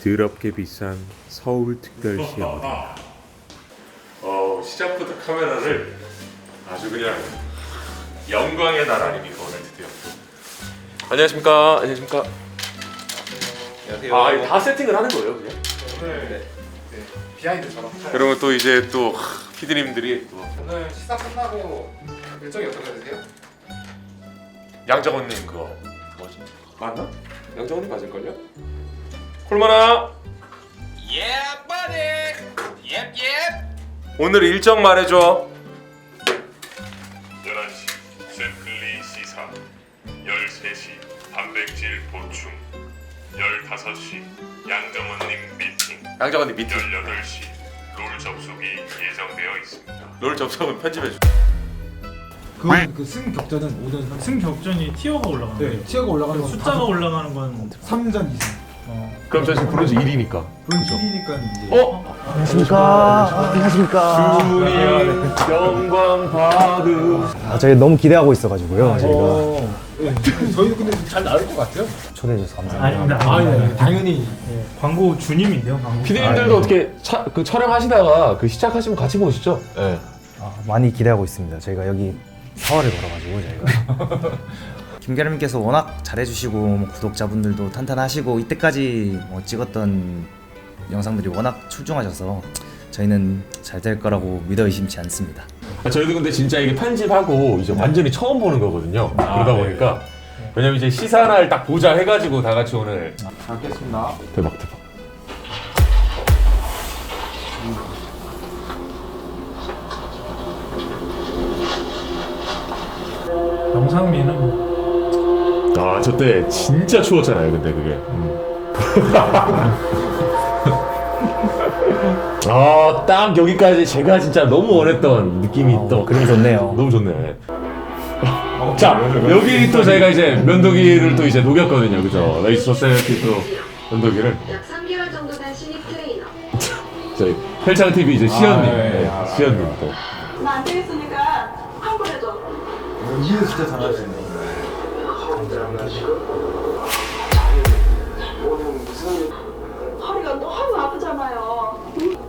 더럽게 비싼 서울특별시 어딘가. 시작부터 카메라를 아주 그냥 영광의 날 아닙니까 오늘 드디어. 안녕하십니까. 안녕하십니까. 안녕하세요. 다 세팅을 하는 거예요 그냥? 오늘 비하인드처럼. 그러면 또 이제 또 피디님들이 또 오늘 시사 끝나고 일정이 어떻게 되세요? 양정원님 그거 뭐지? 맞나? 양정원님 맞을걸요? 콜마나. Yeah, buddy. Yep, yep. 오늘 일정 말해줘. 11시 샘플리 시사 13시 단백질 보충 15시 양정원님 미팅 양정원님 미팅. 18시 롤 접속이 예정되어 있습니다. 롤 접속은 편집해줘. 그 승격전은 오는 승격전이 티어가 올라가는 거예요. 티어가 올라가는 건 숫자가 올라가는 건 3전 이상. 그럼 저 지금 브론즈 1위니까. 브론즈 1위니까 이제. 안녕하십니까. 주니어 영광 받음. 저희 너무 기대하고 있어가지고요. 저희가 네. 저희도 근데 잘 나올 것 같아요. 초대해 주셔서 감사합니다. 아닙니다. 네. 당연히. 광고 주님인데요, 광고. 피디님들도 어떻게 그 촬영하시다가 그 시작하시면 같이 보시죠. 네. 많이 기대하고 있습니다. 저희가 여기 4월을 걸어가지고 저희가 김계람님께서 워낙 잘해주시고 뭐 구독자분들도 탄탄하시고 이때까지 뭐 찍었던 영상들이 워낙 출중하셔서 저희는 잘 될 거라고 믿어 의심치 않습니다. 저희도 근데 진짜 이게 편집하고 이제 완전히 처음 보는 거거든요. 그러다 보니까 왜냐면 이제 시사날 딱 보자 해가지고 다 같이 오늘 잘 겠습니다. 대박. 영상미는 저때 진짜 추웠잖아요. 근데 그게. 딱 여기까지 제가 진짜 너무 원했던 느낌이 또 그림 좋네요. 너무 좋네. 자, 여기 또 저희가 이제 면도기를 또 이제 녹였거든요. 그죠? 레이스 소사이어티 또 면도기를. 약 3개월 정도 된 신입 트레이너. 저희 헬창 TV 이제 시연님. 네, 시연님 또. 나 안 되겠으니까 환불해줘. 이해 진짜 잘하시네. 허리가 너무 아프잖아요.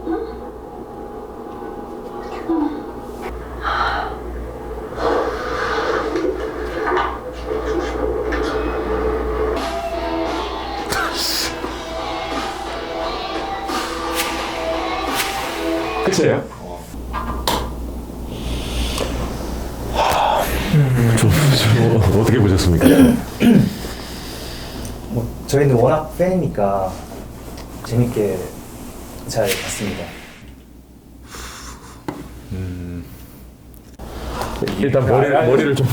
끝이에요? 어떻게 보셨습니까? 뭐 저희는 워낙 팬이니까 재밌게 잘 봤습니다. 일단 머리를 좀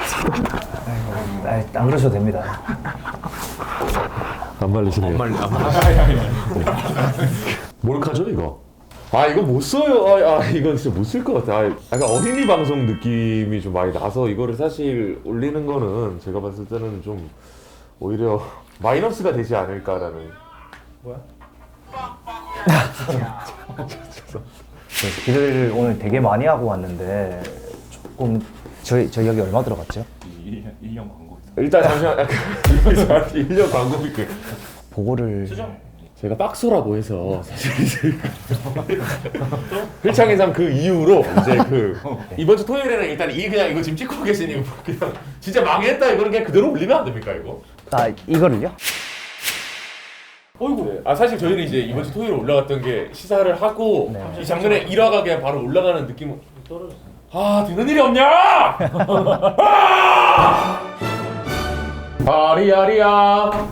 안 그러셔도 됩니다. 안 말리시네요. 몰카죠 이거? 이거 못 써요. 이건 진짜 못 쓸 것 같아. 약간 어린이 방송 느낌이 좀 많이 나서 이거를 사실 올리는 거는 제가 봤을 때는 좀 오히려 마이너스가 되지 않을까라는. 그래서 기대를 오늘 되게 많이 하고 왔는데 조금 저희 여기 얼마 들어갔죠? 1년 광고. 일단 잠시만. 1년 광고비 보고를 제가 박소라고 해서 사실 회창회상 그 이후로 이제 이번 주 토요일에는 일단 그냥 이거 지금 찍고 계신 이거 그냥 진짜 망했다 이거는 그냥 그대로 올리면 안 됩니까 이거? 이거를요? 어이구. 사실 저희는 이제 이번 주 토요일에 올라갔던 게 시사를 하고 이 장면에 1화가 그냥 바로 올라가는 느낌은 되는 일이 없냐? 아리아리야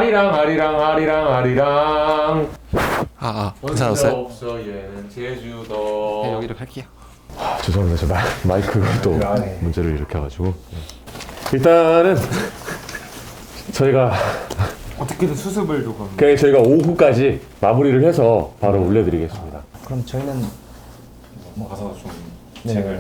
아리랑 괜찮았어요? 없어 얘는 제주도. 네, 여기로 갈게요. 죄송합니다. 저 마이크가 또 문제를 일으켜가지고 일단은 저희가 어떻게든 수습을 조금. 그냥 저희가 오후까지 마무리를 해서 바로 올려드리겠습니다. 그럼 저희는 가서 좀. 네.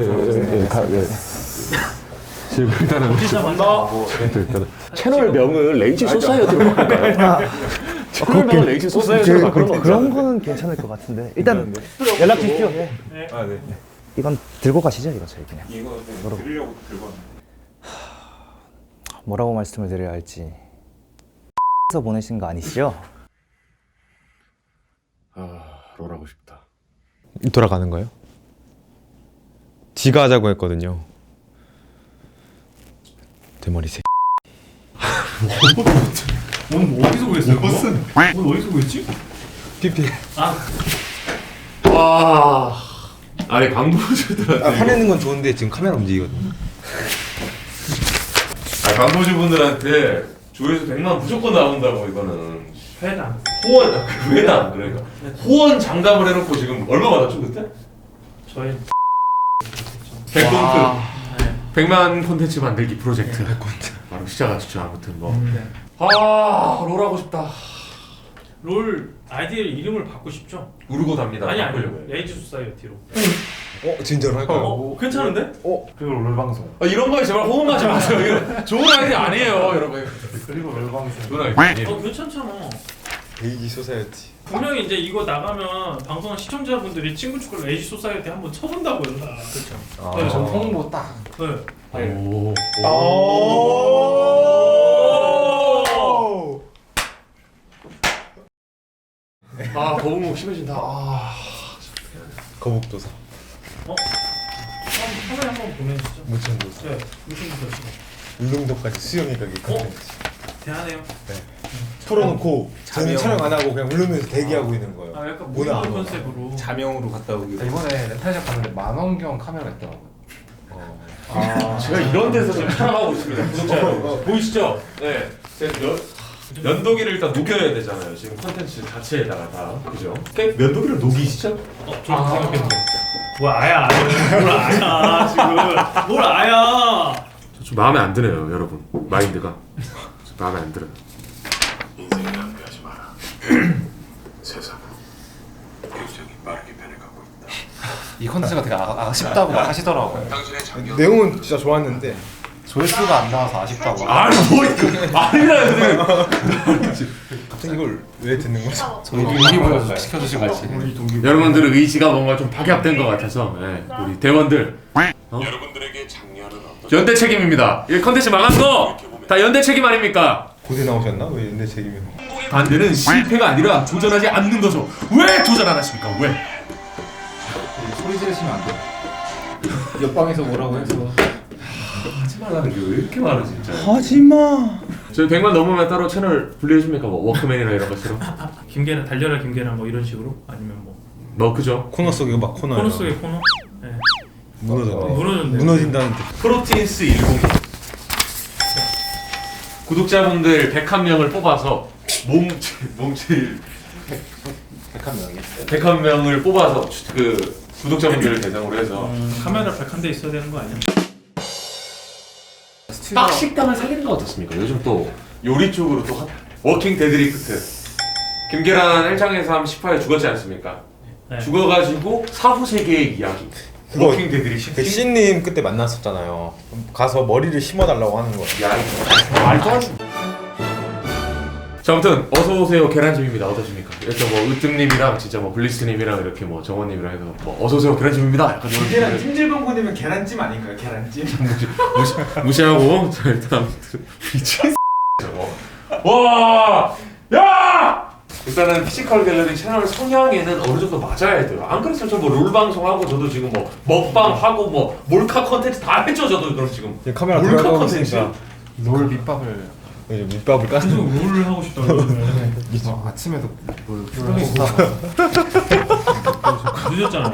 지금 일단은 일단은 채널명을 레이지 소사이어티로 바꿀까요? 채널명을 레이지 소사이어티로 바꾸는 거 그런 거는 괜찮을 것 같은데 일단 연락 주십시오. 네. 네. 이건 들고 가시죠, 이거 저희 그냥. 이거 드리려고 들고 왔는데. 뭐라고 말씀을 드려야 할지. 서 보내신 거 아니시죠? 롤하고 싶다. 돌아가는 거요? 지가 하자고 했거든요. 대머리 새. 오늘 뭐 어디서 구했어요? 오늘 어디서 구했지? PPL. 와. 아니 광고주들한테 화내는 건 좋은데 지금 카메라 움직이거든요. 광고주분들한테 조회수 100만 무조건 나온다고 이거는 회당. 회당 그러니까 후원 장담을 해놓고 지금 얼마 받았죠 그때? 저희 100콘트 네. 100만 콘텐츠 만들기 프로젝트 바로 시작하시죠. 아무튼 뭐 롤하고 싶다. 롤 아이디 이름을 바꾸고 싶죠? 우르고 답니다. 아니 바꾸려고요. 레이지 소사이어티로. 진짜로 할까요? 괜찮은데? 그리고 롤방송. 이런 거에 제발 호응하지 마세요. 이거 좋은 아이디 아니에요 여러분. 그리고 롤방송. 좋은 아이디 아니에요. 괜찮잖아. 레이지 소사이어티. 분명히 이제 이거 나가면 방송한 시청자분들이 친구 축구를 레이지 소사이어티 한번 쳐본다고요. 그렇죠. 네, 전 홍보 딱. 네. 오. 거북목 심해진다. 거북도사. 카메라 한번 보내주시죠. 무천도사. 네. 무슨 도사? 울릉도까지 수영이 가기 컨텐츠. 대단해요. 풀어놓고 저는 촬영 안 하고 그냥 울릉도에서 대기하고 있는 거예요. 아 약간 뭐나 무슨 안 컨셉으로. 자명으로 갔다 오기. 이번에 렌탈샵 갔는데 만원경 카메라 있더라고요. 제가 이런 데서 지금 촬영하고 있습니다. 구독자 여러분. 보이시죠? 네. 제가 면도기를 일단 녹여야 되잖아요. 지금 컨텐츠 자체에다가 다 그죠? 면도기를 녹이시죠? 저도 생각했는데. 뭘 아야? 뭘 아야 지금? 뭘 아야? 좀 마음에 안 드네요, 여러분. 마인드가 좀 마음에 안 들어요. 인생을 낭비하지 마라. 세상은 굉장히 빠르게 변해가고 있다. 이 컨텐츠가 되게 아쉽다고 막 하시더라고요. 당신의 작년 내용은 진짜 좋았는데 조회수가 안 나와서 아쉽다고. 아니 뭐 아니라 갑자기 이걸 왜 듣는 거죠? 동기부여 시켜주시고 같이. 여러분들의 의지가 뭔가 좀 박약된 것 같아서 우리 대원들 여러분들에게 작년은 어떤 연대 책임입니다. 이 컨텐츠 망한 거 다 연대 책임 아닙니까? 고대 나오셨나? 왜 내 책임이? 반대는 실패가 아니라 도전하지 않는 거죠. 왜 도전 안 하십니까? 왜? 소리 지르시면 안 돼요. 옆방에서 뭐라고 해서. 하지 말라는 게 왜 이렇게 많아 진짜. 하지마. 저희 100만 넘으면 따로 채널 분리해줍니까? 뭐 워크맨이나 이런 것처럼. 김계란 달려라 김계란 뭐 이런 식으로 아니면 뭐 그죠? 코너 속에 막 코너. 코너 속의 코너. 네. 무너졌네. 무너졌네. 무너진다는 뜻. 프로틴스 10 구독자분들 101명을 뽑아서 몸칠 101명을 뽑아서 그 구독자분들을 대상으로 해서 카메라 101대 있어야 되는 거 아니야? 딱 식당을 사귀는 거 어떻습니까? 요즘 또 요리 쪽으로 또 워킹 데드리프트 김계란 1장에서 한 10화에 죽었지 않습니까? 네. 죽어가지고 사후 세계의 이야기 그거 워킹 데드리프트 그 C님 그때 만났었잖아요. 가서 머리를 심어달라고 하는 거예요. 야 이거 말도 안 돼. 자 아무튼 어서오세요 계란찜입니다. 어떠십니까? 이렇게 뭐 으뜸님이랑 진짜 뭐 블리스님이랑 이렇게 뭐 정원님이랑 해서 뭐 어서오세요 계란찜입니다. 약간 이런 계란 찜질방구님은 계란찜 아닌가요? 계란찜? 무시하고 자 일단 아무튼 미친 저거 와! 야! 일단은 피지컬 갤러리 채널 성향에는 어느 정도 맞아야 돼요. 안 그랬으면 저 뭐 롤 방송하고 저도 지금 뭐 먹방 하고 뭐 몰카 컨텐츠 다 했죠 저도 그럼 지금 카메라 몰카 돌아가고 컨텐츠 있으니까 롤 밑밥을 이제 밑밥을 깠어. 계속 롤을 하고 싶다고 그러면 아침에도 뭘 푸르기 쓰다가 늦었잖아요.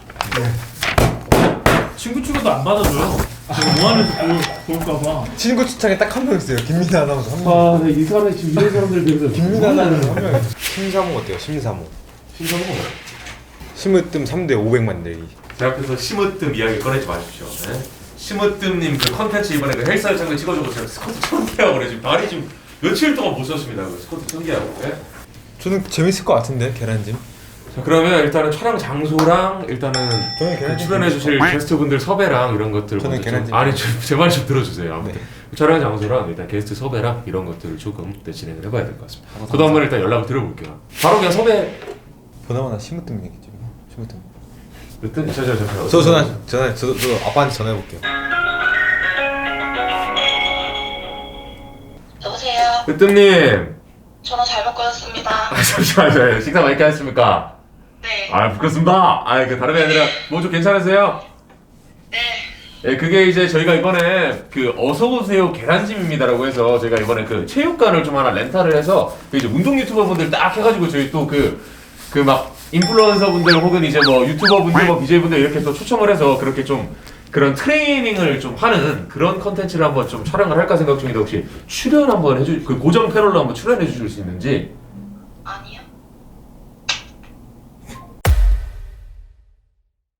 친구 추가도 안 받아줘요. 제가 뭐 하는지 볼까봐. 친구 추천에 딱 한 명 있어요. 김민아 아나운서 한 명. 아이 사람이 지금 이런 사람들 비해서 김민아 아나운서 한 명. 심사모 어때요? 심사모. 신선한 거예요. 심으뜸 3대 500만 내기. 제 앞에서 심으뜸 이야기 꺼내지 마십시오. 네? 심으뜸님 그 컨텐츠 이번에 그 헬스 장면 찍어주고 제가 스쿼트 1000개 하고 그래 지금 다리 지금 며칠 동안 못 썼습니다. 그 스쿼트 1000개 하고. 네? 저는 재밌을 것 같은데 계란찜. 자 그러면 일단은 촬영 장소랑 일단은 저는 그 계란찜. 출연해주실 게스트분들 섭외랑 이런 것들 저는 먼저 좀- 계란찜. 아니 제 말 좀 들어주세요. 아무튼 네. 촬영 장소랑 일단 게스트 섭외랑 이런 것들을 조금 더 진행을 해봐야 될 것 같습니다. 저도 한번 일단 연락을 드려볼게요. 바로 그냥 섭외. 보나마나 심으뜸 얘기죠. 심으뜸. 일단 저도 아빠한테 전화해 볼게요. 여보세요? 으뜸님. 전화 잘못 끊었습니다. 잠시만요. 식사 맛있게 하셨습니까? 네. 아 부끄럽습니다. 아 그 다름이 아니라 뭐 좀 괜찮으세요? 네. 예, 그게 이제 저희가 이번에 그 어서오세요 계란찜입니다라고 해서 저희가 이번에 그 체육관을 좀 하나 렌탈을 해서 그 이제 운동 유튜버 분들 딱 해가지고 저희 또 그 막 인플루언서 분들 혹은 이제 뭐 유튜버 분들 뭐 BJ 분들 이렇게 또 초청을 해서 그렇게 좀 그런 트레이닝을 좀 하는 그런 컨텐츠를 한번 좀 촬영을 할까 생각 중인데 혹시 출연 한번 해주 그 고정 패널로 한번 출연해 주실 수 있는지?